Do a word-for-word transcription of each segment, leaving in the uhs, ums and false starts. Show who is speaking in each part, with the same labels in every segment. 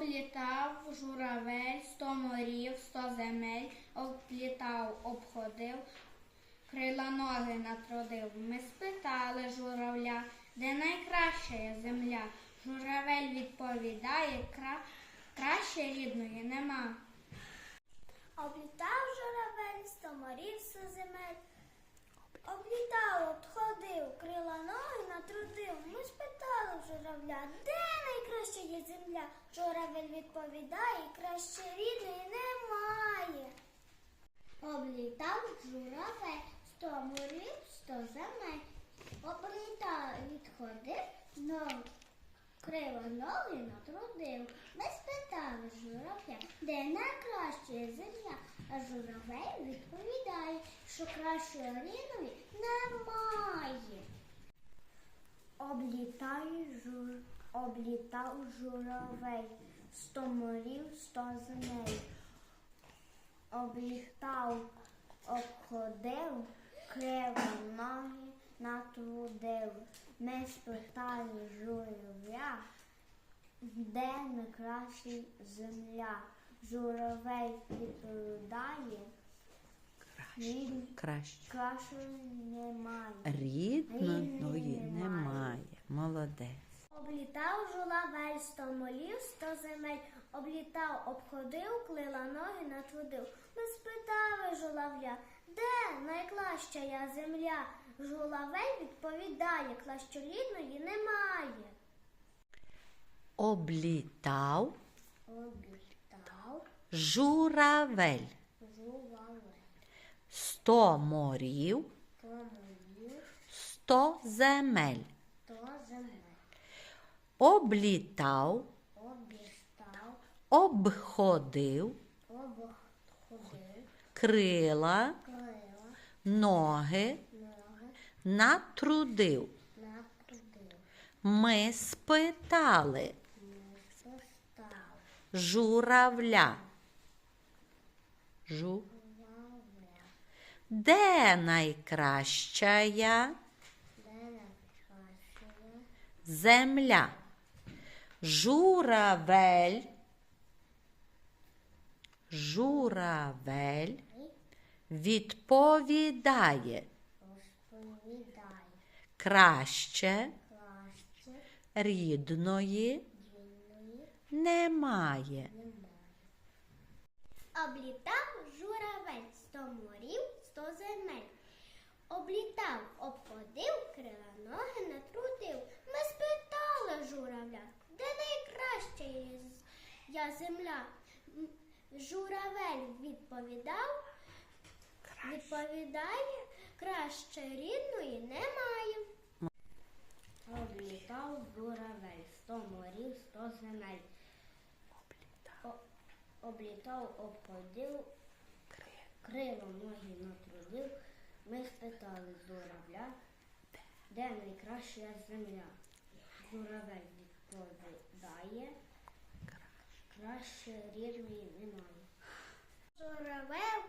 Speaker 1: Облітав журавель сто морів, сто земель, облітав, обходив, крила ноги натрудив. Ми спитали журавля, де найкраща є земля. Журавель відповідає, кра... краще рідної нема.
Speaker 2: Облітав журавель сто морів, сто земель, облітав, обходив, крила ноги натрудив. Ми спитали журавля, де найкраща є земля. Журавель відповідає, краще рідної немає. Облітав журавель сто морів, сто земель, облітав, відходив, знов криво ноги натрудив. Ми спитали журавля, де найкраща є земля. А журавель відповідає, що кращої рідної немає. Облітає жур... Облітав журавель сто морів, сто земель. Облітав, обходив, криво ноги натрудив. Ми спитали журавля, де найкраща земля. Журавель відповідає, рід...
Speaker 3: Краще.
Speaker 2: кращої немає.
Speaker 3: Рідної немає. Молодець.
Speaker 2: Облітав журавель сто молів, сто земель, облітав, обходив, клила ноги натрудив. Ми спитали журавля, де найкраща я земля. Журавель відповідає, кращорідної немає.
Speaker 3: Облітав
Speaker 2: Облітав
Speaker 3: журавель
Speaker 2: журавель
Speaker 3: сто морів,
Speaker 2: сто молів,
Speaker 3: сто земель.
Speaker 2: сто земель.
Speaker 3: Облітав,
Speaker 2: Обістав,
Speaker 3: обходив,
Speaker 2: обходив,
Speaker 3: крила,
Speaker 2: крила,
Speaker 3: ноги,
Speaker 2: ноги,
Speaker 3: натрудив.
Speaker 2: натрудив.
Speaker 3: Ми спитали
Speaker 2: Не состав,
Speaker 3: журавля. Жу.
Speaker 2: журавля,
Speaker 3: Де найкраща я
Speaker 2: де найкраща
Speaker 3: земля? Журавель. Журавель відповідає,
Speaker 2: розповідає,
Speaker 3: краще
Speaker 2: краще
Speaker 3: рідної
Speaker 2: дільної
Speaker 3: немає.
Speaker 2: немає. Облітав журавель сто морів, сто земель. Облітав, обходив, крила ноги натрудив. Ми спитали журавля, де найкраща є з- я земля. М, Журавель відповідав, відповідає, краще рідної немає. Облітав журавель сто морів, сто земель. О- Облітав, обходив, крило ноги натрудив. Ми спитали журавля, де найкраща земля. Журавель відповідає, краще рідної немає. Журавель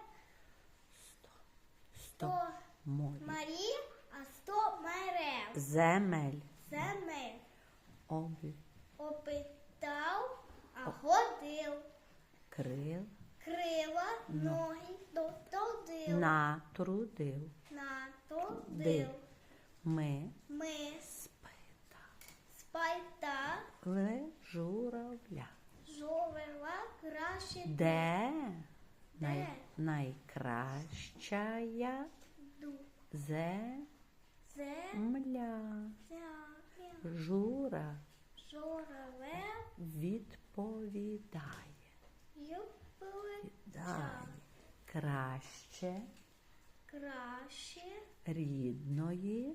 Speaker 3: Сто морів.
Speaker 2: морів, а сто мерев.
Speaker 3: Земель.
Speaker 2: Земель
Speaker 3: Облі.
Speaker 2: опитав, а ходив.
Speaker 3: Крил.
Speaker 2: Крила, ноги дотрудив.
Speaker 3: Натрудив.
Speaker 2: Натрудив.
Speaker 3: Див. Ми
Speaker 2: Ми
Speaker 3: спитали
Speaker 2: спитали
Speaker 3: журавля.
Speaker 2: журавля краще
Speaker 3: Де най...
Speaker 2: Де?
Speaker 3: найкраща я
Speaker 2: ду.
Speaker 3: земля?
Speaker 2: Земля.
Speaker 3: Жура
Speaker 2: Журавель
Speaker 3: відповідає.
Speaker 2: відповідає.
Speaker 3: Дає. Краще
Speaker 2: Краще
Speaker 3: рідної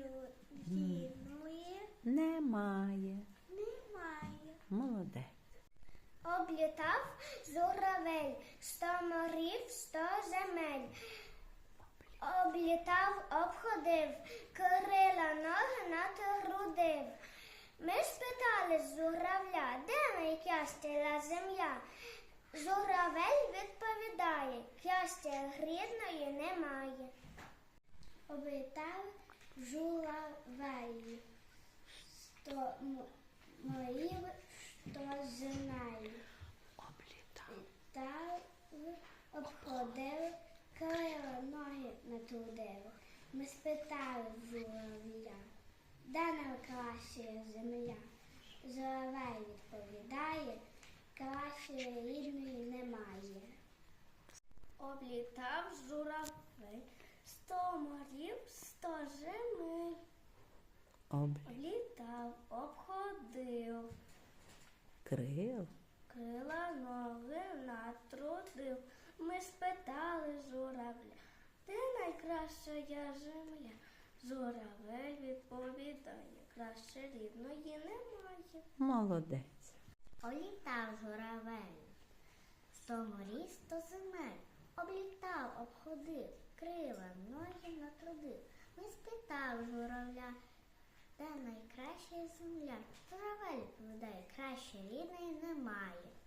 Speaker 2: рідної
Speaker 3: немає.
Speaker 2: немає.
Speaker 3: Молодець.
Speaker 2: Облітав журавель сто морів, сто земель. Облітав, обходив, крила ноги натрудив. Ми спитали журавля, де найкраща земля. Журавель відповідає, щастя рідної немає. Облітав журавель сто морів, сто земель. обходив, крила ноги натрудив. Ми спитали журавля, де найкраща земля? Журавель відповідає, кращої рідної немає. Облітав журавель сто морів, сто земель.
Speaker 3: Об
Speaker 2: Облітав, обходив,
Speaker 3: крил
Speaker 2: крила ноги натрудив. Ми спитали журавля, де найкраща земля? Журавель відповідає, краще рідної немає.
Speaker 3: молодець.
Speaker 2: Олітав журавель, сто морів, сто земель. Облітав, обходив, крила ноги натрудив. Ми спитав журавля, де найкраща земля? Журавель відповідає, краще рідної немає.